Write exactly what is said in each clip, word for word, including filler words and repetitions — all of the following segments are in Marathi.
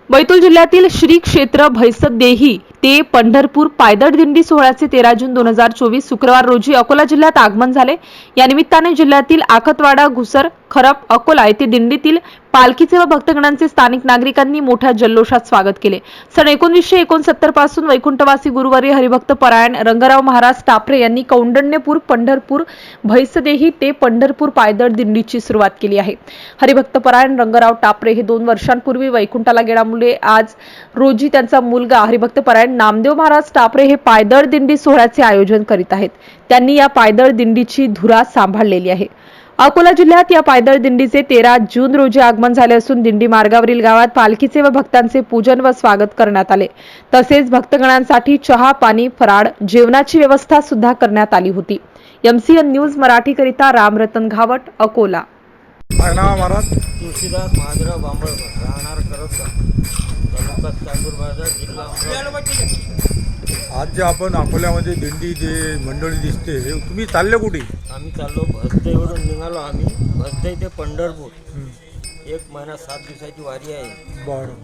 बैतूल जिल्ह्यातील श्री क्षेत्र भैसदेही ते पंढरपूर पायदळ दिंडी सोहळ्याचे तेरा जून दोन हजार चोवीस शुक्रवार रोजी अकोला जिल्ह्यात आगमन झाले। या निमित्ताने जिल्ह्यातील आखतवाडा, घुसर, खरप, अकोला येथे दिंडीतील पालखीचे व भक्तगणांचे स्थानिक नागरिकांनी मोठ्या जल्लोषात स्वागत केले। सन एकोणीसशे एकोणसत्तर पासून वैकुंठवासी गुरुवारी हरिभक्त परायण रंगराव महाराज टापरे यांनी कौंडण्यपूर पंढरपूर भैसदेही ते पंढरपूर पायदळ दिंडीची सुरुवात केली आहे। हरिभक्त परायण रंगराव टापरे हे दोन वर्षांपूर्वी वैकुंठाला गेल्यामुळे आज रोजी त्यांचा मुलगा हरिभक्त परायण नामदेव महाराज टापरे हे पायदळ दिंडी सोहळ्याचे आयोजन करीत आहेत। त्यांनी या पायदळ दिंडीची धुरा सांभाळलेली आहे। अकोला जिल्ह्यात या पायदळ दिंडीचे तेरा जून रोजी आगमन झाले असून दिंडी मार्गावरील गावात पालखीचे व भक्तांचे पूजन व स्वागत करण्यात आले। तसेच भक्तगणांसाठी चहा, पाणी, फराळ, जेवणाची व्यवस्था सुद्धा करण्यात आली होती। एमसीएन न्यूज मराठी करिता रामरतन घावट, अकोला। महाराज तुळशीदास महादेवराव बांबळकर, राहणार करपका, तालुका चांदूर बाजार, जिल्हा अमरावती। आज जे आपण अकोल्यामध्ये दिंडी जे मंडळी दिसते, हे तुम्ही चालले कुठे? आम्ही चाललो भसदेवरून निघालो आम्ही भसदे ते पंढरपूर। एक महिना सात दिवसाची वारी आहे।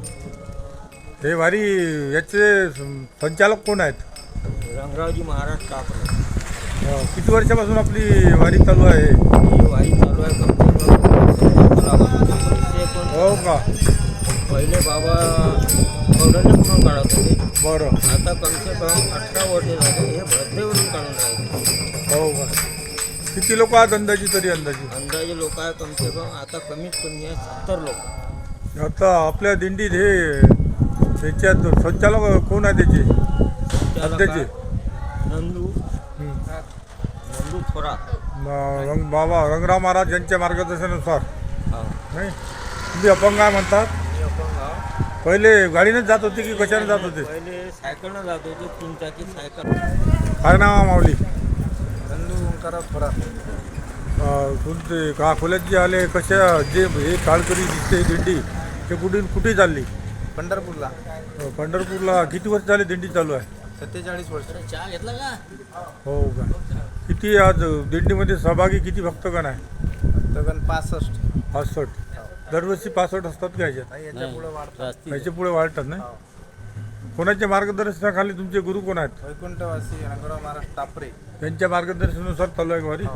बरं, हे वारी याचे संचालक कोण आहेत? रंगरावजी महाराज टापरे। अं, किती वर्षापासून आपली वारी चालू आहे? ही वारी चालू आहे कमसे कम हो का? पहिले बाबा कौंडण्यपूरून काढत होते। बरं, आता कमसे कम अठरा वर्ष झाले हे भसदेवरून काढून राहिले। हो का? किती लोक आहेत अंदाजी? तरी अंदाजी अंदाजे लोक आहे कमसे कम आता कमीत कमी आहे सत्तर लोक। आता आपल्या दिंडीत हे त्याच्यात संचालक कोण आहे त्याचे? सध्याचे नंदू हं. नंदू थोरात। म- रंग बाबा रंगराव महाराज यांच्या मार्गदर्शनानुसार हा, नाही? तुम्ही अपंग आहे म्हणतात? मी अपंग आहे। पहिले गाडीनेच जात होते की कशाने जात होते? पहिले सायकलनं जात होते, तीन चाकी सायकल। काय नाव आहे माऊली? नंदू ओंकाराव थोरात। अं, तुमचे का अकोल्यात जे आले, कशा जे हे काळकरी दिसते ही दिंडी, ते कुठे कुठे चालली? पंढरपूरला अं, पंढरपूरला किती वर्ष झाले दिंडी चालू आहे? सत्तेचाळीस वर्ष। चहा घेतला का? हो का? किती आज दिंडीमध्ये सहभागी किती भक्तगण आहे? तगन पासष्ट। पासष्ट. दरवर्षी पासष्ट असतात का ह्याच्यात? याच्या पुढे वाढतात। ह्याच्या पुढे वाढतात नाही? कोणाच्या मार्गदर्शनाखाली तुमचे गुरु कोण आहेत? वैकुंठवासी रंगराव महाराज टापरे त्यांच्या मार्गदर्शनानुसार चालू आहे वारी?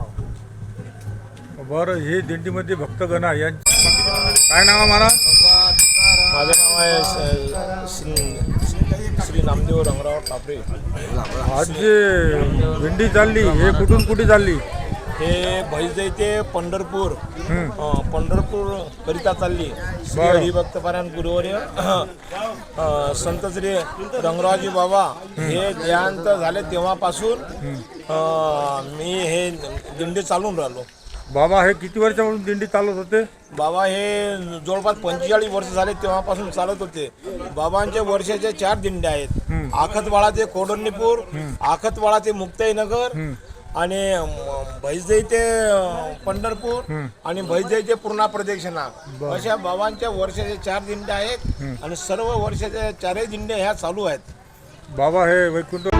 बरं, हे दिंडीमध्ये भक्तगण आहे यांची काय नाव आहे महाराज? माझं नाव आहे श्री श्री नामदेव रंगराव टापरे। आज जे दिंडी चालली, हे कुठून कुठे चालली? हे भैसदेही ते पंढरपूर हं. अं, पंढरपूर करिता चालली। श्री बरं. हरिभक्तपरायण गुरुवर्य अं, संत श्री रंगरावजी बाबा हे देहांत झाले तेव्हापासून अं, मी हे दिंडी चालून राहिलो। बाबा हे किती वर्षापासून दिंडी चालत होते? बाबा हे जवळपास पंचेचाळीस वर्ष झाले तेव्हापासून चालत होते। बाबांचे वर्षाचे चार दिंड्या आहेत। आखतवाडा ते कौंडण्यपूर, आखतवाडा ते मुक्ताईनगर आणि भैसदेही ते पंढरपूर आणि भैसदेही ते पूर्णा प्रदक्षिणा, अशा बाबांच्या वर्षाचे चार दिंड्या आहेत आणि सर्व वर्षाच्या चारही दिंड्या ह्या चालू आहेत। बाबा हे वैकुंठ